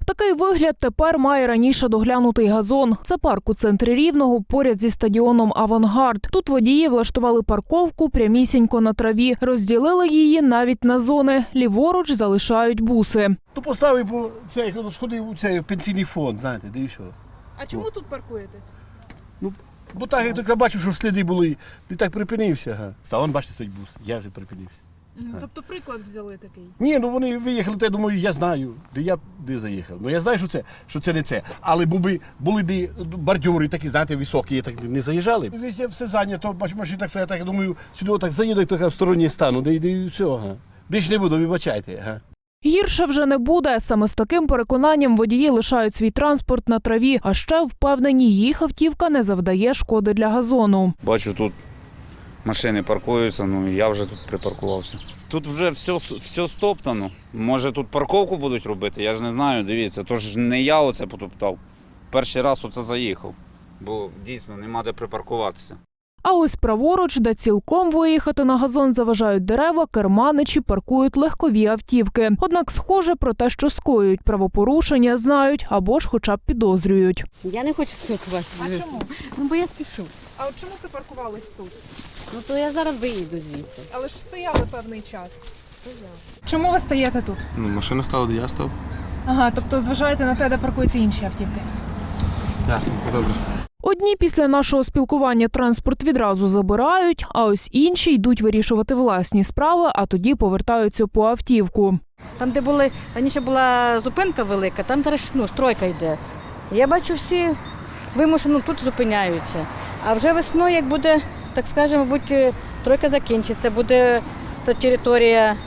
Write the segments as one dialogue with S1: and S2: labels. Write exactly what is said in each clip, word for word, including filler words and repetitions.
S1: Такий вигляд тепер має раніше доглянутий газон. Це парк у центрі Рівного, поряд зі стадіоном «Авангард». Тут водії влаштували парковку прямісінько на траві. Розділили її навіть на зони. Ліворуч залишають буси.
S2: То поставив, бо цей, сходив у цей пенсійний фонд, знаєте, де і що.
S1: А чому тут паркуєтесь?
S2: Ну, бо так, як я бачу, що сліди були, ти так припинився. Ага. А вон, бачите, стоїть бус, я вже припинився.
S1: Тобто приклад взяли такий?
S2: Ні, ну вони виїхали, то я думаю, я знаю, де я де заїхав. Ну я знаю, що це, що це не це. Але були, були б бордюри такі, знаєте, високі, так не заїжджали. Везде все зайнято, бачу, машини так стоять, так я думаю, сюди так заїду, так в стороні стану, де йде і все. Ага. Більше не буду, вибачайте. Ага.
S1: Гірше вже не буде. Саме з таким переконанням водії лишають свій транспорт на траві, а ще впевнені, їх автівка не завдає шкоди для газону.
S3: Бачу, тут машини паркуються, ну я вже тут припаркувався. Тут вже все, все стоптано. Може тут парковку будуть робити, я ж не знаю, дивіться. Тож не я оце потоптав. Перший раз оце заїхав, бо дійсно нема де припаркуватися.
S1: А ось праворуч, де цілком виїхати на газон заважають дерева, керманичі паркують легкові автівки. Однак схоже про те, що скоюють правопорушення, знають або ж хоча б підозрюють.
S4: Я не хочу спілкуватися.
S1: А чому?
S4: Ну, бо я спішу.
S1: А от чому припаркувались тут?
S4: Ну, то я зараз виїду звідси.
S1: Але ж стояли певний час. Чому ви стоїте тут?
S5: Ну, машина стала, де я став.
S1: Ага, тобто зважаєте на те, де паркуються інші автівки.
S5: Ясно, добре.
S1: Одні після нашого спілкування транспорт відразу забирають, а ось інші йдуть вирішувати власні справи, а тоді повертаються по автівку.
S6: Там, де були, раніше була зупинка велика, там зараз ну, стройка йде. Я бачу, всі вимушено тут зупиняються. А вже весною, як буде, так скажемо, мабуть, стройка закінчиться, буде та територія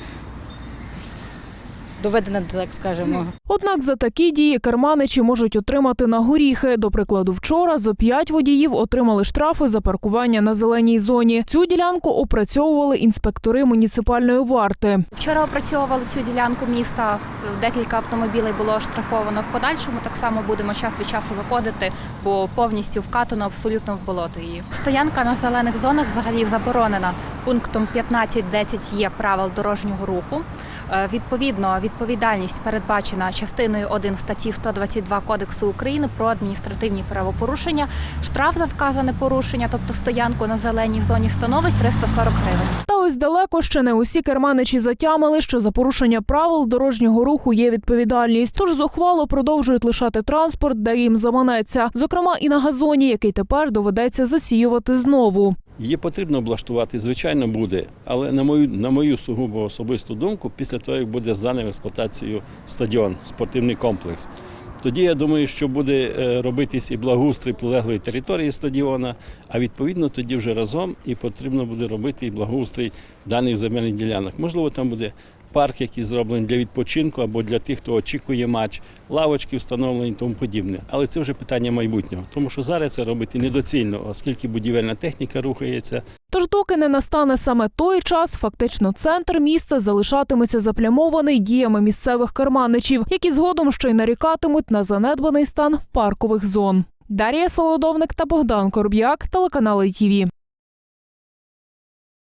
S6: доведена, так скажемо.
S1: Однак за такі дії керманичі можуть отримати на горіхи. До прикладу, вчора зо п'ять водіїв отримали штрафи за паркування на зеленій зоні. Цю ділянку опрацьовували інспектори муніципальної варти.
S7: Вчора опрацьовували цю ділянку міста, декілька автомобілів було оштрафовано. В подальшому так само будемо час від часу виходити, бо повністю вкатано абсолютно в болото її. Стоянка на зелених зонах взагалі заборонена. Пунктом п'ятнадцять десять є правил дорожнього руху. Відповідно, відповідальність передбачена частиною один статті сто двадцять два Кодексу України про адміністративні правопорушення. Штраф за вказане порушення, тобто стоянку на зеленій зоні, становить триста сорок гривень.
S1: Та ось далеко ще не усі керманичі затямили, що за порушення правил дорожнього руху є відповідальність. Тож зухвало продовжують лишати транспорт, де їм заманеться. Зокрема і на газоні, який тепер доведеться засіювати знову.
S8: Її потрібно облаштувати, звичайно, буде, але на мою, на мою сугубо особисту думку, після того, як буде зданий в експлуатацію стадіон, спортивний комплекс. Тоді, я думаю, що буде робитись і благоустрій прилеглої території стадіона, а відповідно тоді вже разом і потрібно буде робити і благоустрій даних земельних ділянок. Можливо, там буде парк, який зроблений для відпочинку або для тих, хто очікує матч, лавочки встановлені і тому подібне. Але це вже питання майбутнього, тому що зараз це робити недоцільно, оскільки будівельна техніка рухається.
S1: Тож доки не настане саме той час, фактично центр міста залишатиметься заплямований діями місцевих керманичів, які згодом ще й нарікатимуть на занедбаний стан паркових зон. Дар'я Солодовник та Богдан Короб'як, телеканал ай ті ві.